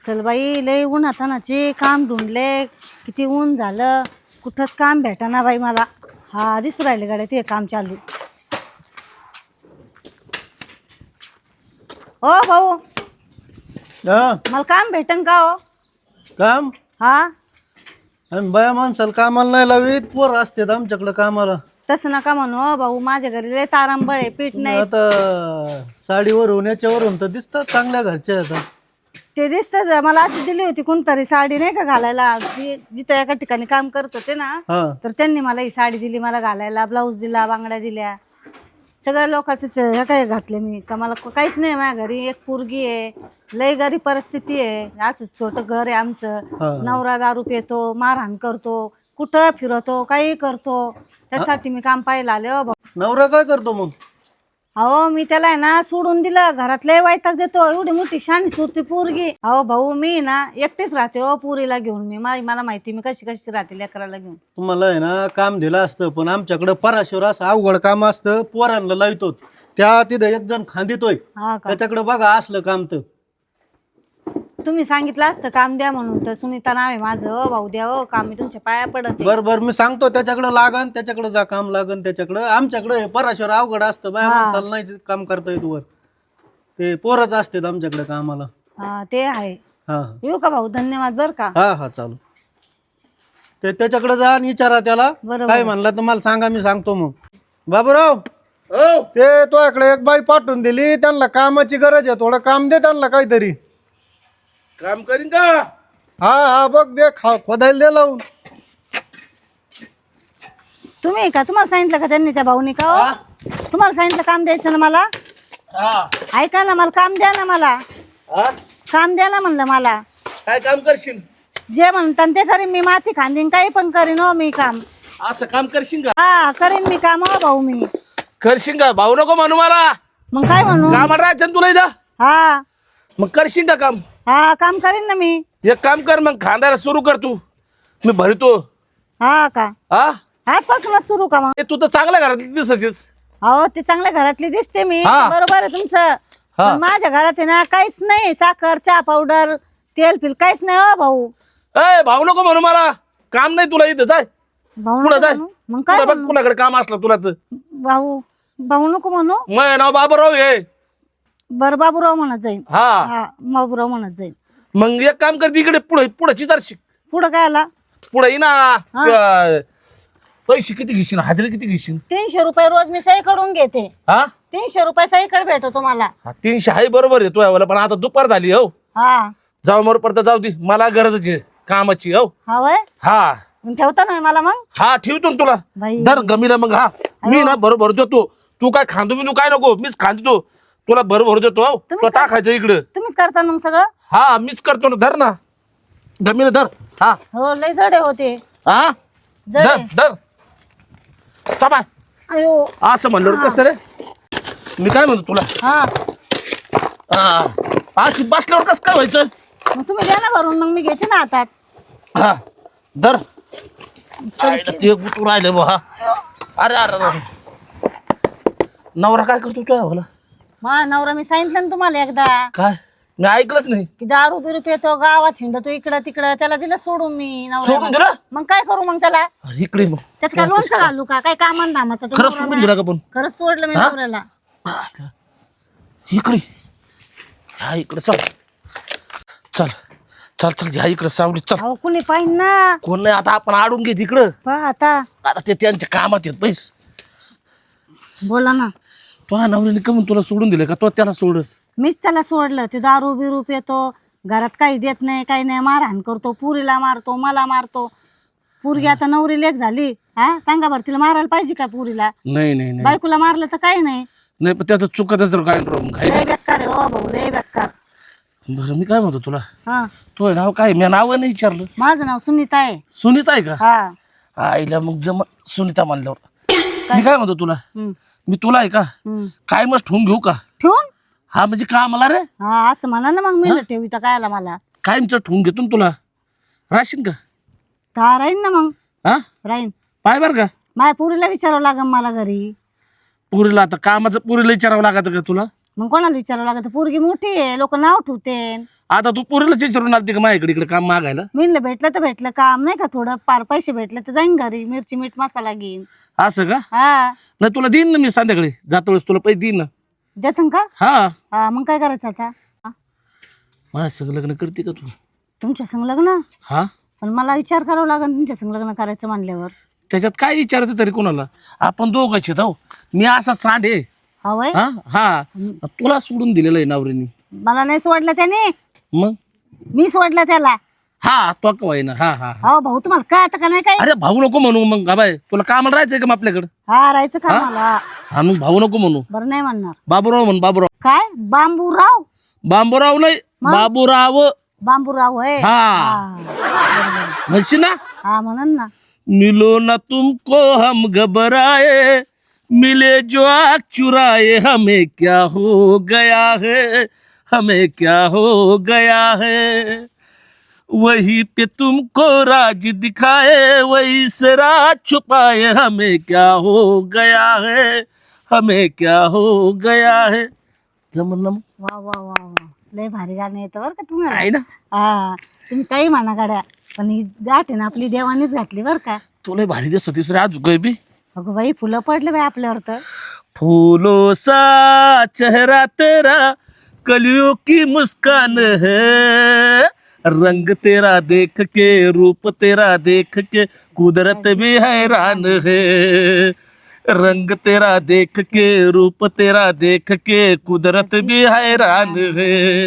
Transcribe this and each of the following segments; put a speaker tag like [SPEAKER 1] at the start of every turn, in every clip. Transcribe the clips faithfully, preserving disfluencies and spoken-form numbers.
[SPEAKER 1] चल बाई लय उन्हातानाचे काम ढूंढले, किती ऊन झालं, कुठंच काम भेटाना बाई मला. हा दिसू राहिले गाड्या ते काम चालू. हो भाऊ मला काम भेटन का हो?
[SPEAKER 2] काम
[SPEAKER 1] हा
[SPEAKER 2] आणि बाया माणसाला कामाला नाही लावीत, पोर असतात आमच्याकडे कामाला.
[SPEAKER 1] तसं नका म्हणू हो भाऊ, माझ्या घरी लय तारांबळ आहे, पीठ नाही.
[SPEAKER 2] आता साडीवरून याच्यावरून तर दिसतात चांगल्या घरच्या आता.
[SPEAKER 1] ते दिसतच मला अशी दिली होती कोणतरी साडी नाही का घालायला, जी- जिथं एका ठिकाणी काम करत होते ना,
[SPEAKER 2] हा
[SPEAKER 1] तर त्यांनी मला ही साडी दिली मला घालायला, ब्लाऊज दिला, बांगड्या दिल्या, सगळ्या लोकांचेच ह्या काय घातले मी. का मला काहीच नाही माझ्या घरी. एक पोरगी आहे, लय गरीब परिस्थिती आहे, असं छोटं घर आहे आमचं.
[SPEAKER 2] हा.
[SPEAKER 1] नवरा दारू पितो, मारहाण करतो, कुठं फिरवतो, काही करतो. त्यासाठी मी काम पाहायला आले हो भाऊ.
[SPEAKER 2] नवरा काय करतो मग?
[SPEAKER 1] अहो मी त्याला आहे ना सोडून दिलं, घरात लय वैताग देतो, एवढी मोठी शानी सुरती पोरगी. अहो भाऊ मी ना एकटीच राहते हो पुरीला घेऊन. मी मा- मला माहिती मी कशी कशी राहते लेकराला घेऊन.
[SPEAKER 2] तुम्हाला आहे ना काम दिलं असतं, पण आमच्याकडे पराशेवर असं अवघड काम असतं, पोरांना लावतो. त्या तिथं एक जण खांदितोय,
[SPEAKER 1] हा का?
[SPEAKER 2] त्याच्याकडे बघा असलं काम तर.
[SPEAKER 1] तुम्ही सांगितलं असतं काम द्या म्हणून, तर सुनीता नाव आहे माझं. हो भाऊ द्या हो काम, मी तुमच्या पाया पडत आहे.
[SPEAKER 2] बर बर मी सांगतो, त्याच्याकडे लागन, त्याच्याकडे जा काम लागन त्याच्याकडे. आमच्याकडे पराशेवर अवघड असतं, बाया
[SPEAKER 1] हा.
[SPEAKER 2] माणसाला नाही काम करता येत वर. ते पोरच असतात आमच्याकडे कामाला.
[SPEAKER 1] हा ते आहे.
[SPEAKER 2] हा
[SPEAKER 1] येऊ का भाऊ? धन्यवाद बर का.
[SPEAKER 2] हा हा चालू. ते त्याच्याकडे जा आणि विचारा त्याला
[SPEAKER 1] बरोबर.
[SPEAKER 2] काय म्हणला तर मला सांगा, मी सांगतो मग. बाबूराव ते तो इकडे एक बाई पाठवून दिली, त्यांना कामाची गरज आहे, थोडं काम दे त्यांना काहीतरी.
[SPEAKER 3] काम करीन का?
[SPEAKER 2] हा हा बघ दे, खा खोदायला दे लावून.
[SPEAKER 1] तुम्ही का तुम्हाला सांगितलं का त्यांनी त्या भाऊनी का हो? तुम्हाला सांगितलं काम द्यायचं ना मला.
[SPEAKER 3] हा
[SPEAKER 1] ऐका ना, मला काम द्या ना, मला
[SPEAKER 3] हा
[SPEAKER 1] काम द्या ना म्हणलं मला.
[SPEAKER 3] काय काम करशील?
[SPEAKER 1] जे म्हणतात ते करीन मी, माती खांदीन काही पण करीन हो मी काम.
[SPEAKER 3] असं काम करशील का?
[SPEAKER 1] हा करीन मी काम हो भाऊ मी.
[SPEAKER 3] करशील का? भाऊ नको म्हणू मला,
[SPEAKER 1] मग काय म्हणू?
[SPEAKER 3] कामाला राहायचं ना तुला इथं.
[SPEAKER 1] हा
[SPEAKER 3] मग करशील का काम?
[SPEAKER 1] हा काम करीन ना मी.
[SPEAKER 3] एक काम कर, मग खांदायला सुरू कर तू, मी भरतो.
[SPEAKER 1] हा का?
[SPEAKER 3] हा
[SPEAKER 1] आजपासूनच सुरू का मग?
[SPEAKER 3] ए, तू तर चांगल्या घरात दिसायचीस.
[SPEAKER 1] हो ते चांगल्या घरातली दिसते मी,
[SPEAKER 3] हा.
[SPEAKER 1] बरोबर आहे तुमचं. पण माझ्या घरात आहे ना काहीच नाही, साखर चहा पावडर तेल फिल काहीच नाही हो भाऊ.
[SPEAKER 3] ए भाऊ नको म्हणू मला, काम नाही तुला इथं. जाय
[SPEAKER 1] भाऊ
[SPEAKER 3] पुढे
[SPEAKER 1] नको
[SPEAKER 3] जाय.
[SPEAKER 1] म्हणू? मग काय
[SPEAKER 3] पुढं बघ,
[SPEAKER 1] म्हणू?
[SPEAKER 3] कुणाकडे काम असलं तुला तर.
[SPEAKER 1] भाऊ भाऊ नको म्हणू.
[SPEAKER 3] मग नाव बाबूराव हे.
[SPEAKER 1] बर बाबूराव म्हणत जाईल.
[SPEAKER 3] हा
[SPEAKER 1] हा बाबूराव म्हणत जाईल.
[SPEAKER 3] मग एक काम कर, तिकडे पुढे पुढे चितार शिक.
[SPEAKER 1] पुढं काय आला?
[SPEAKER 3] पुढे ये ना. पैसे किती घेशील? हाजरी किती घेशील?
[SPEAKER 1] तीनशे रुपये रोज मी सहीकडून घेते.
[SPEAKER 3] हा
[SPEAKER 1] तीनशे रुपये सहीकडे भेटतो मला.
[SPEAKER 3] हा, तीनशे आहे बरोबर आहे तुझ्या, पण आता दुपार झाली हो.
[SPEAKER 1] हा
[SPEAKER 3] जाऊ मर पडता जाऊ दे, मला गरजच आहे कामाची हो.
[SPEAKER 1] हा वय
[SPEAKER 3] हा
[SPEAKER 1] मग ठेवता ना मला मग.
[SPEAKER 3] हा ठेवतो ना तुला.
[SPEAKER 1] बाई.
[SPEAKER 3] दर गमीला मग. हा मी ना बरोबर देतो, तू काय खांदू बिंदू काय नको, मीच खांदतो तुला बरोबर देतो हो.
[SPEAKER 1] तुम्हीच
[SPEAKER 3] तुला टाकायचं इकडं.
[SPEAKER 1] तुम्हीच करता ना मग सगळं.
[SPEAKER 3] हा मीच करतो ना, धर ना गमीला धर. हा
[SPEAKER 1] हो लय जडे होते.
[SPEAKER 3] हा धर
[SPEAKER 1] जडे.
[SPEAKER 3] धर. थांबा.
[SPEAKER 1] अयो
[SPEAKER 3] असं म्हणलं कसं रे, मी काय म्हणतो तुला.
[SPEAKER 1] हा
[SPEAKER 3] हा अशी बसल्यावर कसं काय व्हायचं.
[SPEAKER 1] मग तुम्ही द्या ना भरून, मग मी घेते ना हातात.
[SPEAKER 3] हा धर. आईला ते गुतू राहिले बा. हा अरे अरे अरे. नवरा काय करतो तुझ्या मला?
[SPEAKER 1] मा नवरा मी सांगितलं ना तुम्हाला एकदा
[SPEAKER 3] काय मी ऐकलंच नाही.
[SPEAKER 1] की दारू बिरू पितो, गावात हिंडतो इकडं तिकडं, त्याला दिलं सोडून मी.
[SPEAKER 3] सोडून
[SPEAKER 1] नवरा
[SPEAKER 3] दिलं?
[SPEAKER 1] मग काय करू मग त्याला?
[SPEAKER 3] अरे इकडे मग
[SPEAKER 1] त्याच काय लोणचं घालू का? काय कामान धामाचं तो
[SPEAKER 3] खरंच
[SPEAKER 1] नवरा
[SPEAKER 3] सोडून
[SPEAKER 1] माझा.
[SPEAKER 3] दिला का पण?
[SPEAKER 1] खरंच सोडलं मी
[SPEAKER 3] हा?
[SPEAKER 1] नवऱ्याला.
[SPEAKER 3] इकडे ह्या इकडे चल चल चल चल ह्या इकडे सावली चल.
[SPEAKER 1] अहो कुणी पाहिजे ना.
[SPEAKER 3] कोण नाही आता, आपण आडून घे तिकडं.
[SPEAKER 1] पहा आता.
[SPEAKER 3] आता ते त्यांच्या कामात येत पैस.
[SPEAKER 1] बोला ना.
[SPEAKER 3] तो हा नवऱ्याने कमून तुला सोडून दिलं का? तो त्याला सोडस.
[SPEAKER 1] मीच त्याला सोडलं. ते दारू बिरू पितो, घरात काही देत नाही, काही नाही, मारहाण करतो, पुरीला मारतो, मला मारतो. पुरगी आता नवरी लेक झाली. हा सांगा बरं, तिला मारायला पाहिजे का पुरीला?
[SPEAKER 3] नाही नाही नाही
[SPEAKER 1] बायकोला मारलं तर काही नाही.
[SPEAKER 3] नाही पण त्याचं चुकतच काय काय.
[SPEAKER 1] लय बेकार आहे हो भाऊ, लय बेकार.
[SPEAKER 3] बरं मी काय म्हणतो तुला,
[SPEAKER 1] हा
[SPEAKER 3] तो नाव काय? मी नाव नाही विचारलं.
[SPEAKER 1] माझं नाव सुनीता आहे.
[SPEAKER 3] सुनीता आहे का?
[SPEAKER 1] हा
[SPEAKER 3] आईला मग जम सुनीता म्हणल्यावर मी काय म्हणतो तुला,
[SPEAKER 1] हम्म,
[SPEAKER 3] मी तुला आहे का
[SPEAKER 1] हम्म.
[SPEAKER 3] काय मस्त ठेवून घेऊ का?
[SPEAKER 1] ठेवून?
[SPEAKER 3] हा म्हणजे का मला रे
[SPEAKER 1] हा असं म्हणा ना मग. मी ठेवी तर काय आला मला.
[SPEAKER 3] कायमचं ठेवून घेतो ना तुला. राशीन का?
[SPEAKER 1] तर राहीन ना मग.
[SPEAKER 3] हा
[SPEAKER 1] राहीन.
[SPEAKER 3] पाय बर का,
[SPEAKER 1] माझ्या पुरीला विचारावं लागेल मला घरी.
[SPEAKER 3] पुरीला आता कामाचं पुरीला विचारावं लागत का तुला?
[SPEAKER 1] मग कोणाला विचारावं लागत पोरगी मोठी आहे लोक नाव ठेवते
[SPEAKER 3] आता तू पोरीला चिचरून आलती का माझ्याकडे इकडे काम मागायला?
[SPEAKER 1] मी म्हणलं भेटलं तर भेटलं काम नाही का थोडं पार पैसे भेटले तर जाईन घरी मिरची मीठ मसाला घेईन.
[SPEAKER 3] असं का?
[SPEAKER 1] हा
[SPEAKER 3] नाही तुला देईन ना मी संध्याकाळी जातो वेळेस तुला पैसे देईन ना.
[SPEAKER 1] देतं का?
[SPEAKER 3] हा
[SPEAKER 1] हा मग काय करायचं आता? हा?
[SPEAKER 3] माझ्या संग लग्न करते का तू?
[SPEAKER 1] तुमच्या संग लग्न?
[SPEAKER 3] हा
[SPEAKER 1] पण मला विचार करावा लागेल तुमच्या संग लग्न करायचं म्हणल्यावर.
[SPEAKER 3] त्याच्यात काय विचारायचं तरी कोणाला? आपण दोघांचे जाऊ. मी असा सांड आहे.
[SPEAKER 1] हा वय
[SPEAKER 3] हा हा तुला सोडून दिलेलं आहे नवरीने.
[SPEAKER 1] मला नाही सोडलं त्याने
[SPEAKER 3] मग
[SPEAKER 1] मी सोडलं त्याला.
[SPEAKER 3] हा तो का ना हा हा
[SPEAKER 1] हो भाऊ तुम्हाला काय आता का नाही काय?
[SPEAKER 3] अरे भाऊ नको म्हणू मग बाय तुला कामाला राहायचंय का मग आपल्याकडे?
[SPEAKER 1] हा राहायचं का मला?
[SPEAKER 3] हा मग भाऊ नको म्हणू.
[SPEAKER 1] बरं नाही म्हणणार.
[SPEAKER 3] बाबूराव म्हण बाबूराव.
[SPEAKER 1] काय बांबूराव?
[SPEAKER 3] बांबूराव नाही बाबूराव.
[SPEAKER 1] बांबूराव आहे.
[SPEAKER 3] हा
[SPEAKER 1] हा
[SPEAKER 3] म्हणशी ना.
[SPEAKER 1] हा म्हणन ना.
[SPEAKER 3] मिलो ना तुमको हम घबराए मिले जो आँख चुराए हमें क्या हो गया है हमें क्या हो गया है वही पे तुमको राज दिखाए वही से राज छुपाए हमें क्या हो गया है हमें क्या हो गया है. जमन ना मग?
[SPEAKER 1] वा वा वा वा लय भारी गाणं येतं बरं का तुम्हाला.
[SPEAKER 3] आहे ना.
[SPEAKER 1] हा तुम्ही काही म्हणा गाड्या पण ही गाठ आहे ना आपली देवानीच घातली बरं का.
[SPEAKER 3] तुला भारी दिसत तिसरे आज काय बी.
[SPEAKER 1] अगं बाई फुलं पडले बाई आपल्यावर तर.
[SPEAKER 3] फूलों सा चेहरा तेरा कलियों की मुस्कान है रंग तेरा देख के रूप तेरा देख के कुदरत भी हैरान है रंग तेरा देख के रूप तेरा देख के कुदरत भी हैरान है.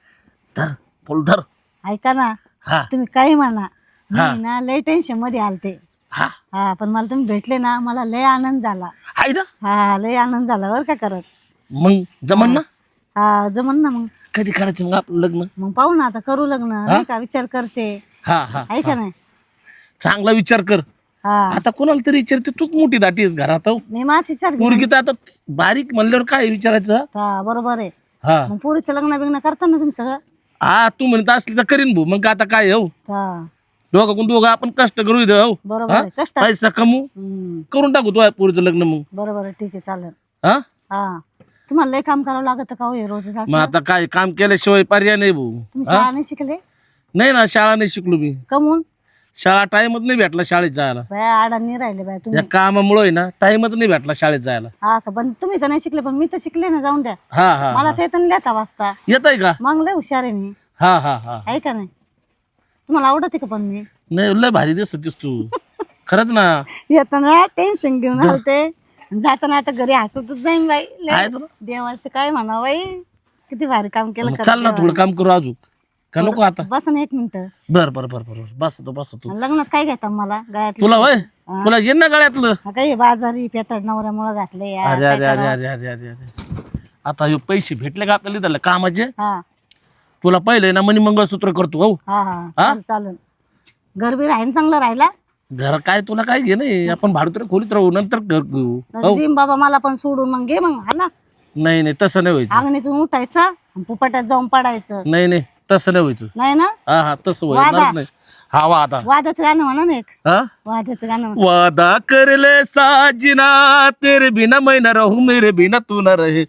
[SPEAKER 3] धर फुल धर.
[SPEAKER 1] ऐका ना
[SPEAKER 3] हा
[SPEAKER 1] तुम्ही काही म्हणा
[SPEAKER 3] हा.
[SPEAKER 1] मी ना लय टेन्शन मध्ये आलते.
[SPEAKER 3] हा
[SPEAKER 1] हा पण मला तुम्ही भेटले ना मला लय आनंद झाला.
[SPEAKER 3] आहे ना.
[SPEAKER 1] हा लय आनंद झाला बरं का खरंच.
[SPEAKER 3] मग जमन ना.
[SPEAKER 1] हा जमन ना. मग
[SPEAKER 3] कधी करायचं मग आपलं लग्न?
[SPEAKER 1] मग पाहू ना आता करू लग्न नाही का विचार करते.
[SPEAKER 3] हा हा
[SPEAKER 1] आहे का नाही?
[SPEAKER 3] चांगला विचार कर.
[SPEAKER 1] हा
[SPEAKER 3] आता कोणाला तरी विचारते तूच मोठी दाटी आहेस घरात. हो
[SPEAKER 1] मी माझ विचार घेईन.
[SPEAKER 3] पोरगी तर आता बारीक म्हणल्यावर काय विचारायचं?
[SPEAKER 1] हा बरोबर आहे.
[SPEAKER 3] हा
[SPEAKER 1] मग पोरीचं लग्न बिग्न करता ना तुम्ही सगळं?
[SPEAKER 3] हा तू म्हणत असली तर करीन भाऊ. मग आता काय हो
[SPEAKER 1] हा
[SPEAKER 3] दोघं कोण दोघं आपण कष्ट करू इथं. हो
[SPEAKER 1] बरोबर
[SPEAKER 3] हा?
[SPEAKER 1] आहे कष्ट.
[SPEAKER 3] पैसा कमू
[SPEAKER 1] हम्म,
[SPEAKER 3] करून टाकू तो पोरीचं लग्न. मग
[SPEAKER 1] बरोबर आहे ठीक आहे चालेल.
[SPEAKER 3] हा
[SPEAKER 1] हा तुम्हाला लय काम करावं लागत का हो हे रोजच असं?
[SPEAKER 3] मग आता काय काम केल्याशिवाय पर्याय नाही भाऊ.
[SPEAKER 1] तुम्ही शाळा नाही शिकले?
[SPEAKER 3] नाही ना शाळा नाही शिकलो मी.
[SPEAKER 1] कमून
[SPEAKER 3] शाळा टाइमच नाही भेटला शाळेत जायला.
[SPEAKER 1] बाया आडांनी राहिले बाय तुम्ही.
[SPEAKER 3] या कामामुळे आहे ना टाइमच नाही भेटला शाळेत जायला.
[SPEAKER 1] हा का पण तुम्ही तर नाही शिकले पण मी तर शिकले ना जाऊन द्या.
[SPEAKER 3] हा हा
[SPEAKER 1] मला ते तर लिहिता वाचता
[SPEAKER 3] येत आहे का?
[SPEAKER 1] मग लय हुशार आहे मी.
[SPEAKER 3] हा हा हा
[SPEAKER 1] आहे का नाही? तुम्हाला आवडते का पण मी?
[SPEAKER 3] नाही लय भारी दिसतीस तू खरंच ना.
[SPEAKER 1] येताना टेन्शन घेऊन आलते जाताना आता घरी हसतच जाईन बाई. लय
[SPEAKER 3] आहे तुला?
[SPEAKER 1] देवाचं काय म्हणा बाई किती भारी काम केलं
[SPEAKER 3] मग
[SPEAKER 1] खरं
[SPEAKER 3] चाल ना
[SPEAKER 1] देवाने.
[SPEAKER 3] थोडं काम करू अजून का नको आता?
[SPEAKER 1] बस ना एक मिनिट.
[SPEAKER 3] बर बर बर बर बसतो बसतो.
[SPEAKER 1] लग्नात काय घेता मला गळ्यात?
[SPEAKER 3] तुला वय तुला घे ना गळ्यातलं.
[SPEAKER 1] काही बाजारी पेतड नवऱ्यामुळे घातले यार,
[SPEAKER 3] अरे
[SPEAKER 1] काय
[SPEAKER 3] अरे अरे
[SPEAKER 1] करावं?
[SPEAKER 3] अरे अरे अरे अरे आता हे पैसे भेटले का आपल्याला इथलं कामाचे?
[SPEAKER 1] हा
[SPEAKER 3] तुला पहिले ना मनी मंगळसूत्र करतो. हो
[SPEAKER 1] हा हा चालेल चालेल. घर बी राहीन चांगलं राहिला.
[SPEAKER 3] घर काय तुला काय घे नाही आपण भाडुत्र खोलीत राहू नंतर घर घेऊ. हो
[SPEAKER 1] जिम बाबा मला पण सोडून मग घे मग हा ना.
[SPEAKER 3] नाही नाही तसं नाही व्हायचं.
[SPEAKER 1] अंगणीतून उठायचं आणि पुपाट्यात जाऊन पडायचं.
[SPEAKER 3] नाही नाही तसं नाही व्हायचं.
[SPEAKER 1] नाही ना?
[SPEAKER 3] हा हा तसं
[SPEAKER 1] वादा.
[SPEAKER 3] व्हायचं नाही. हा वा आता
[SPEAKER 1] वादाचं गाणं म्हणा ना एक.
[SPEAKER 3] हा
[SPEAKER 1] वादाचं गाणं म्हणा.
[SPEAKER 3] वादा कर ले साजना तेरे बिना मैं न रहूं मेरे बिना तू न रहे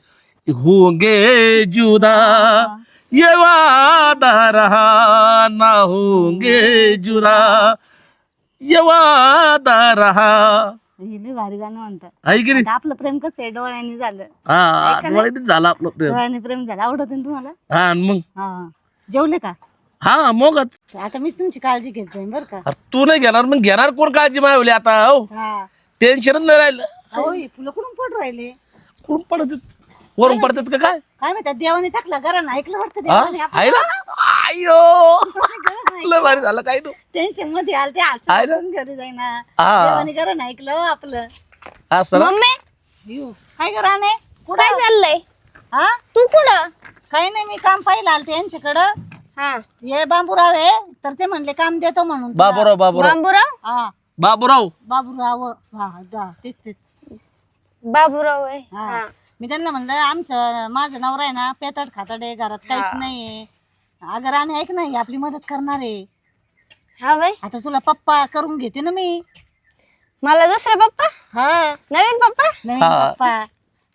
[SPEAKER 3] होंगे जुदा ये वादा रहा ना होंगे जुदा ये वादा रहा.
[SPEAKER 1] हे लय भारी गाणं म्हणतात.
[SPEAKER 3] आहे की नाही?
[SPEAKER 1] आता आपलं प्रेम कसं आहे डोळ्यांनी झालं.
[SPEAKER 3] हा डोळ्यातच झालं आपलं प्रेम.
[SPEAKER 1] डोळ्यांनी प्रेम झालं. आवडत ना तुम्हाला?
[SPEAKER 3] हा आणि मग
[SPEAKER 1] हा जेवले का?
[SPEAKER 3] हा मगच.
[SPEAKER 1] आता मीच तुमची काळजी घेत जाईन बरं का.
[SPEAKER 3] अरे तू नाही घेणार मग घेणार कोण काळजी मावली आता? हो
[SPEAKER 1] हा
[SPEAKER 3] टेन्शनच नाही राहिलं.
[SPEAKER 1] अहो हे फुलं कुठून पडून राहिले?
[SPEAKER 3] कोण पडत वरून पडतात का काय?
[SPEAKER 1] काय माहिती देवाने टाकलं घरानं ऐकलं वाटतं
[SPEAKER 3] हा?
[SPEAKER 1] देवाने
[SPEAKER 3] आहे ना? आयो लय भारी झालं काय तू
[SPEAKER 1] टेन्शन मध्ये आल ते
[SPEAKER 3] आहे ना?
[SPEAKER 1] असं घरी जाईना.
[SPEAKER 3] हा.
[SPEAKER 1] देवाने घरानं ऐकलं हो आपलं.
[SPEAKER 3] हा सर
[SPEAKER 1] यू, काय घराने कुठं
[SPEAKER 4] काय चाललंय?
[SPEAKER 1] हा
[SPEAKER 4] तू कुठं?
[SPEAKER 1] काही नाही मी काम पाहिलं आलते यांच्याकडं.
[SPEAKER 4] हा
[SPEAKER 1] हे बाबूराव आहे तर ते म्हणले काम देतो म्हणून तुला.
[SPEAKER 3] बाबूराव बाबूराव
[SPEAKER 4] बाबूराव.
[SPEAKER 3] बाबूराव
[SPEAKER 1] बाबूराव बाबूराव हा दा, तेच तेच
[SPEAKER 4] बाबूराव आहे.
[SPEAKER 1] हा मी त्यांना म्हणलं आमचं माझं नवरा आहे ना पेतड खातड आहे घरात काहीच नाहीये. अगं राणे ऐक नाही आपली मदत करणार आहे.
[SPEAKER 4] हा बाई
[SPEAKER 1] आता तुला पप्पा करून घेते ना मी.
[SPEAKER 4] मला दुसरा पप्पा
[SPEAKER 1] हा
[SPEAKER 4] नवीन पप्पा.
[SPEAKER 1] नवीन
[SPEAKER 3] हा.
[SPEAKER 1] पप्पा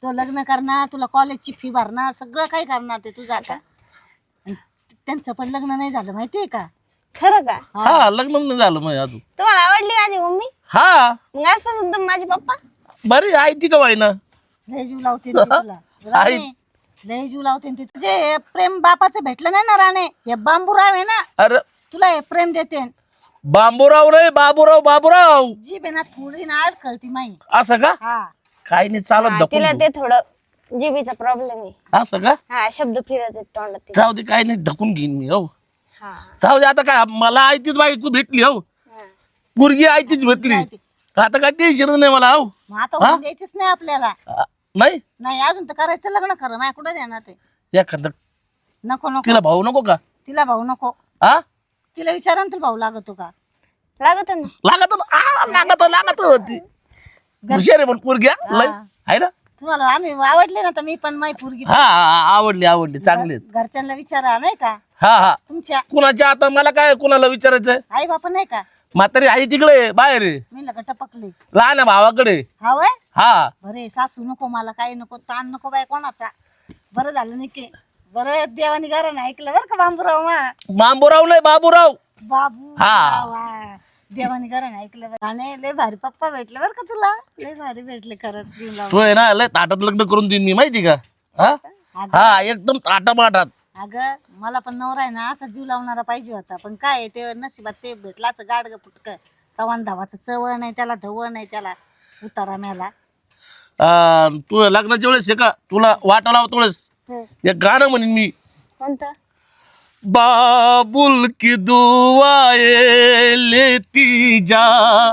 [SPEAKER 1] तो लग्न करणार, तुला कॉलेजची फी भरणार, सगळं काही करणार ते तुझं आता. आणि त्यांचं पण लग्न नाही झालं माहितीये का?
[SPEAKER 4] खरं का?
[SPEAKER 3] हा लग्न नाही झालं मग अजून.
[SPEAKER 4] तुम्हाला आवडली माझी मम्मी?
[SPEAKER 3] हा
[SPEAKER 4] मग आजपासून तुम्ही माझे पप्पा?
[SPEAKER 3] बरी आहे ती का वाईना.
[SPEAKER 1] लय जीव लावते ती तुला राणे, लय जीव लावते ती. जे प्रेम बापाचं भेटलं नाही ना राणे, हे बांबूराव आहे ना,
[SPEAKER 3] अरे
[SPEAKER 1] तुला हे प्रेम देते.
[SPEAKER 3] बांबूराव रे बाबूराव बाबूराव
[SPEAKER 1] जी बेना थोडी ना कळती माही.
[SPEAKER 3] असं का?
[SPEAKER 1] हा
[SPEAKER 3] काही नाही चालत
[SPEAKER 4] हा,
[SPEAKER 3] ढकलून
[SPEAKER 4] तिला
[SPEAKER 3] देऊ.
[SPEAKER 4] ते थोडं जिबीचा प्रॉब्लेम आहे.
[SPEAKER 3] असं का?
[SPEAKER 4] हा शब्द फिरत आहेत तोंडात तिला.
[SPEAKER 3] जाऊ दे काही नाही ढकून घेईन मी. हो
[SPEAKER 4] हा
[SPEAKER 3] जाऊ दे आता काय मला आयतीच बायको भेटली. हो
[SPEAKER 4] हा.
[SPEAKER 3] पोरगी आयतीच भेटली. आता काय टेन्शन नाही मला. हो
[SPEAKER 1] मग आता होऊन द्यायचीच नाही आपल्याला.
[SPEAKER 3] आ, नाही
[SPEAKER 1] नाही अजून तर करायचं लग्न खरं माझ्या कुठं देणार ते.
[SPEAKER 3] एखादं
[SPEAKER 1] नको नको
[SPEAKER 3] तिला भाऊ नको का?
[SPEAKER 1] तिला भाऊ नको.
[SPEAKER 3] हा
[SPEAKER 1] तिला विचारा ना तुला भाऊ लागतो का?
[SPEAKER 4] लागत ना.
[SPEAKER 3] लागत आ, लागत लागत होती हुशार आहे पण पोरगी हा, लय आहे ना.
[SPEAKER 1] तुम्हाला आम्ही आवडले ना तर मी पण माई पोरगी.
[SPEAKER 3] हा हा, आवडली आवडली चांगली आहेत.
[SPEAKER 1] घरच्यांना विचारा नाही का
[SPEAKER 3] हा हा
[SPEAKER 1] तुमच्या
[SPEAKER 3] कुणाच्या आता मला काय कुणाला विचारायचंय.
[SPEAKER 1] आई बापा नाही का?
[SPEAKER 3] म्हातारी आई तिकडे बाहेर आहे.
[SPEAKER 1] मी लग टपकले.
[SPEAKER 3] लहान आहे भावाकडे.
[SPEAKER 1] हा वय
[SPEAKER 3] हा
[SPEAKER 1] बरे सासू नको मला काही नको ताण नको बाय कोणाचा. बरं झालं नाही की बरं देवानी घरानं ऐकलं बरं का बांबूराव मा.
[SPEAKER 3] बांबूराव नाही बाबूराव.
[SPEAKER 1] बाबू
[SPEAKER 3] हा.
[SPEAKER 1] वा. देवानी घरानं ऐकलं बरं. आणि लय भारी पप्पा भेटले बरं का तुला. लय भारी भेटले खरंच जीव लावून.
[SPEAKER 3] तो आहे ना लय ताटात लग्न करून देईन मी माहिती का. हा हा एकदम ताटा माटात.
[SPEAKER 1] अगं मला पण नवरा आहे ना असा जीव लावणारा पाहिजे होता. पण काय आहे, ते नशिबात ते भेटलाच गाडग फुटक. चव्हाण धावाचं चवळ नाही त्याला, धवळ नाही त्याला, उतारा मेला.
[SPEAKER 3] आ, तू लग्नाच्या वेळेस हे का तुला वाटा लावतो वेळेस
[SPEAKER 4] हम्म.
[SPEAKER 3] एक गाणं म्हणेन मी.
[SPEAKER 4] कोणतं?
[SPEAKER 3] बाबुल की दुआएं लेती जा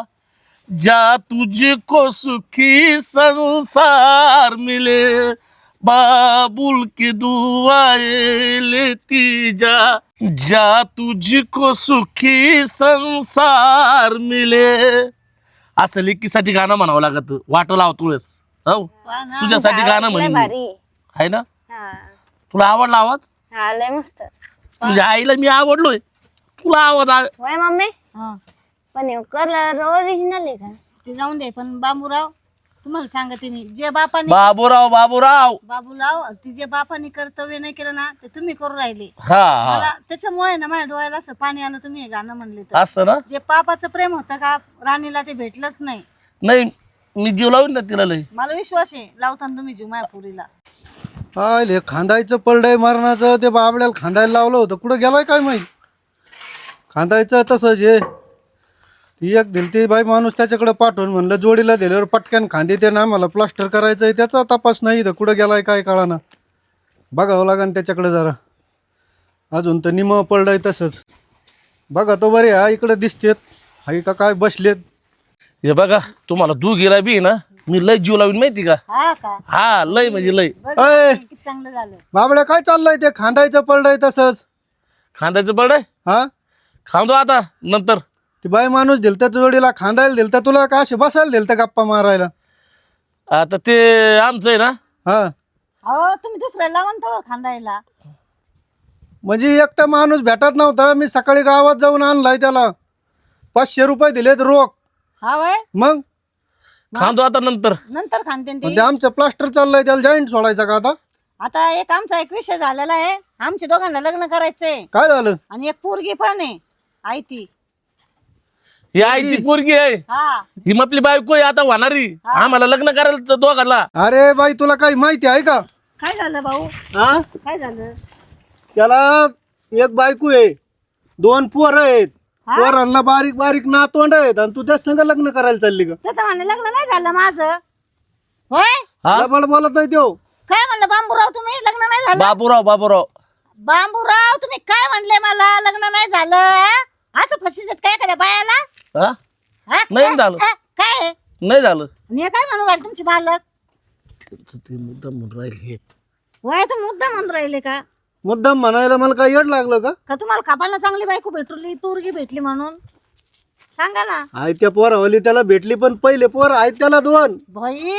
[SPEAKER 3] जा तुझको सुखी संसार मिले. बाबुल की दुआएं लेती जा जा तुझको सुखी संसार मिले. असं लेकीसाठी गाणं म्हणावं लागत. वाट लावतो वेळेस. हो तुझ्यासाठी गाणं
[SPEAKER 4] लय
[SPEAKER 3] म्हणेन मी.
[SPEAKER 4] भारी.
[SPEAKER 3] आहे ना.
[SPEAKER 4] हा
[SPEAKER 3] तुला आवडला आवाज.
[SPEAKER 4] हा लय मस्त.
[SPEAKER 3] तुझ्या आईला मी आवडलोय. तुला आवाज आ-
[SPEAKER 4] वय मम्मी
[SPEAKER 1] हा
[SPEAKER 4] पण कलर ओरिजिनल आहे का?
[SPEAKER 1] ते जाऊन दे. पण बाबूराव तुम्हाला सांगते मी, जे बापाने
[SPEAKER 3] बाबूराव बाबूराव.
[SPEAKER 1] बाबूराव ती जे बापाने कर्तव्य नाही केलं ना ते तुम्ही करू राहिले.
[SPEAKER 3] हा हा
[SPEAKER 1] मला त्याच्यामुळे ना माझ्या डोळ्याला असं पाणी आलं तुम्ही हे गाणं म्हणले तर.
[SPEAKER 3] असं ना.
[SPEAKER 1] जे पापाचं प्रेम होतं का राणीला ते भेटलंच नाही.
[SPEAKER 3] नाही मी जीव लावून ना तिला लय.
[SPEAKER 1] मला विश्वास आहे लावताना तुम्ही जीव माझ्या पुरीला.
[SPEAKER 2] आले खांदायचं पलडाय मारण्याचं ते बाबड्याला खांदायला लावलं होतं. कुठं गेलाय काय माहिती. खांदायचं तसंच आहे. ती एक दिली ती बाई माणूस त्याच्याकडे पाठवून म्हणलं जोडीला दिल्यावर पटक्यान खांदे ते ना मला प्लास्टर करायचं आहे. त्याचा तपास नाही तर कुठं गेलाय काय कळाना. बघावं लागेल त्याच्याकडे जरा. अजून तर निम पलडाय तसंच. बघा तो बरे हा इकडे दिसतेत. हाय का काय बसलेत.
[SPEAKER 3] हे बघा तुम्हाला तू गेला बी ना मी लय जीव लावीन माहिती का.
[SPEAKER 1] हा का
[SPEAKER 3] हा लय म्हणजे लय.
[SPEAKER 2] अय
[SPEAKER 1] किती चांगलं झालं.
[SPEAKER 2] बाबड्या काय चाललंय ते खांदायचं पलडाय तसंच.
[SPEAKER 3] खांद्याचं बरं आहे.
[SPEAKER 2] हा
[SPEAKER 3] खांदो आता नंतर.
[SPEAKER 2] ती बाई माणूस दिलता जोडीला खांदायला दिलता तुला का असे बसायला दिलता गप्पा मारायला.
[SPEAKER 3] आता ते आमचं आहे ना.
[SPEAKER 2] हा
[SPEAKER 1] अहो तुम्ही दुसऱ्या लावंतावर खांदायला.
[SPEAKER 2] म्हणजे एक तर माणूस भेटत नव्हता. मी सकाळी गावात जाऊन आणलाय त्याला. पाचशे रुपये दिलेत रोख.
[SPEAKER 1] हा वय
[SPEAKER 2] मग
[SPEAKER 3] खांदो आता नंतर.
[SPEAKER 1] नंतर खांदते ते.
[SPEAKER 2] म्हणजे आमचं प्लास्टर चाललंय त्याला जॉईंट सोडायचा का आता.
[SPEAKER 1] आता एक आमचा एक विषय झालेला आहे. आमच्या दोघांना लग्न करायचंय
[SPEAKER 2] काय झालं.
[SPEAKER 1] आणि एक पोरगी पण आहे आई ती.
[SPEAKER 3] ही आई ती पोरगी आहे.
[SPEAKER 1] हा
[SPEAKER 3] ही आपली बायको आहे आता होणारी. आम्हाला लग्न करायला दोघाला.
[SPEAKER 2] अरे बाई तुला काही माहिती आहे का.
[SPEAKER 1] काय झालं भाऊ
[SPEAKER 2] हा
[SPEAKER 1] काय झालं.
[SPEAKER 2] त्याला एक बायको आहे दोन पोरं आहेत. पोरांना बारीक बारीक नातवंड आहेत आणि तू त्या संग लग्न करायला चालली का.
[SPEAKER 1] ते तर म्हणलं लग्न नाही झालं माझं. होय
[SPEAKER 3] हा
[SPEAKER 2] लबाड बोलत आहे तो.
[SPEAKER 1] काय म्हणलं बांबूराव तुम्ही लग्न नाही झालं.
[SPEAKER 3] बाबूराव बाबूराव.
[SPEAKER 1] बांबूराव तुम्ही काय म्हणले मला लग्न नाही झालं. हा? असं फसी देत काय एखाद्या बायाला.
[SPEAKER 3] हा
[SPEAKER 1] हा?
[SPEAKER 3] नाही झालं.
[SPEAKER 1] हा? काय आहे?
[SPEAKER 3] नाही झालं.
[SPEAKER 1] आणि हे काय म्हणून राहिले तुमचे मालक.
[SPEAKER 3] ते मुद्दा म्हणून राहिले.
[SPEAKER 1] वय तुम्ही मुद्दा म्हणून राहिले का
[SPEAKER 2] मुद्दाम म्हणायला मला काय येड लागलं का.
[SPEAKER 1] का तुम्हाला कापाला चांगली बायको भेटली पोरगी भेटली म्हणून सांगा ना.
[SPEAKER 2] आहे त्या पोरावली त्याला भेटली पण पहिले पोर आहेत त्याला दोन.
[SPEAKER 1] बाई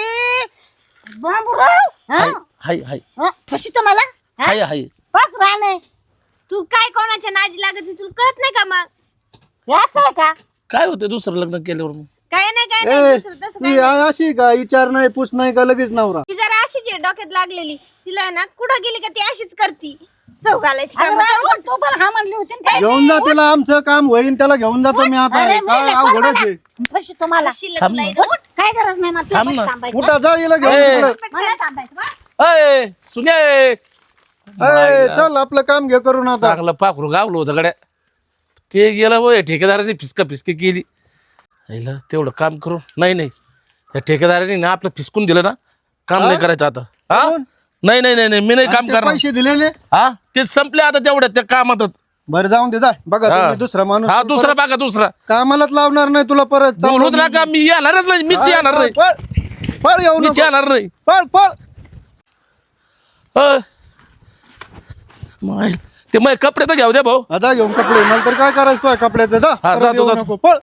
[SPEAKER 1] बांबूराव हा?
[SPEAKER 3] हाय हाय
[SPEAKER 1] हा? फशी तुम्हाला हा?
[SPEAKER 3] हाय हाय.
[SPEAKER 1] बघ राणे
[SPEAKER 4] तू काय कोणाच्या नादी लागत तुला कळत नाही का मग?
[SPEAKER 1] हे असं आहे का.
[SPEAKER 3] काय होतं दुसरं लग्न केल्यावर मग.
[SPEAKER 4] काय नाही काय
[SPEAKER 2] ए
[SPEAKER 4] नाही दुसरं तसं
[SPEAKER 2] ती आ- अशी का विचार नाही पूछ नाही का लगेच नवरा
[SPEAKER 4] ती जरा अशीच आहे डोक्यात लागलेली तिला ना कुठं गेली का ती अशीच करती चव घालायची
[SPEAKER 1] अगं
[SPEAKER 4] कामं.
[SPEAKER 1] राग, तू पण हा म्हणली होती ना.
[SPEAKER 2] घेऊन जा तिला आमचं काम होईन त्याला घेऊन जातो मी आता
[SPEAKER 1] अरे,
[SPEAKER 2] काय
[SPEAKER 1] मेले,
[SPEAKER 2] अवघडच
[SPEAKER 1] सोड
[SPEAKER 2] आहे
[SPEAKER 1] मला. पैसे तुम्हाला
[SPEAKER 4] शिल्लक
[SPEAKER 3] थांब
[SPEAKER 4] तुला
[SPEAKER 3] ना.
[SPEAKER 4] इथं.
[SPEAKER 1] उठ, काय गरज नाही मला
[SPEAKER 3] थांब
[SPEAKER 1] तुझ्या
[SPEAKER 3] ना.
[SPEAKER 1] पैसे थांबायचे.
[SPEAKER 2] कुठं जा हिला घेऊन
[SPEAKER 3] ए.
[SPEAKER 2] तिकडं
[SPEAKER 1] मला नाही थांबायचं बा.
[SPEAKER 3] अय सुने
[SPEAKER 2] ए, चल आपलं काम घे करून आता
[SPEAKER 3] चांगलं पाखरू गावलं होतं गड्या ते गेलं होय ठेकेदाराने फिसका फिसकी केली आईला तेवढं काम करू नाही नाही या ठेकेदाराने ना आपलं फिसकून दिलं ना काम नाही करायचं आता हा
[SPEAKER 2] कोण?
[SPEAKER 3] नाही नाही नाही नाही मी नाही काम
[SPEAKER 2] ते
[SPEAKER 3] करणार
[SPEAKER 2] पैसे दिलेले
[SPEAKER 3] हा ते संपले आता तेवढ्या त्या कामातच
[SPEAKER 2] बरं जाऊन दे जा बघा
[SPEAKER 3] हा.
[SPEAKER 2] तुम्ही दुसरा माणूस
[SPEAKER 3] हा दुसरा बघा दुसरा
[SPEAKER 2] कामालाच लावणार नाही तुला परत चाललो
[SPEAKER 3] बोलूच
[SPEAKER 2] मी.
[SPEAKER 3] नका मी येणारच नाही मीच
[SPEAKER 2] हा,
[SPEAKER 3] येणार नाही
[SPEAKER 2] पळ पळ येऊ
[SPEAKER 3] मीच
[SPEAKER 2] नको
[SPEAKER 3] येणार नाही
[SPEAKER 2] पळ पळ
[SPEAKER 3] अय. माय ते मग कपडे तर घेऊ द्या भाऊ
[SPEAKER 2] आता घेऊन कपडे मला तर काय करायचं तुझ्या कपड्याचं जा
[SPEAKER 3] हा,
[SPEAKER 2] परत
[SPEAKER 3] जातो,
[SPEAKER 2] येऊ
[SPEAKER 3] जातो.
[SPEAKER 2] नको पळ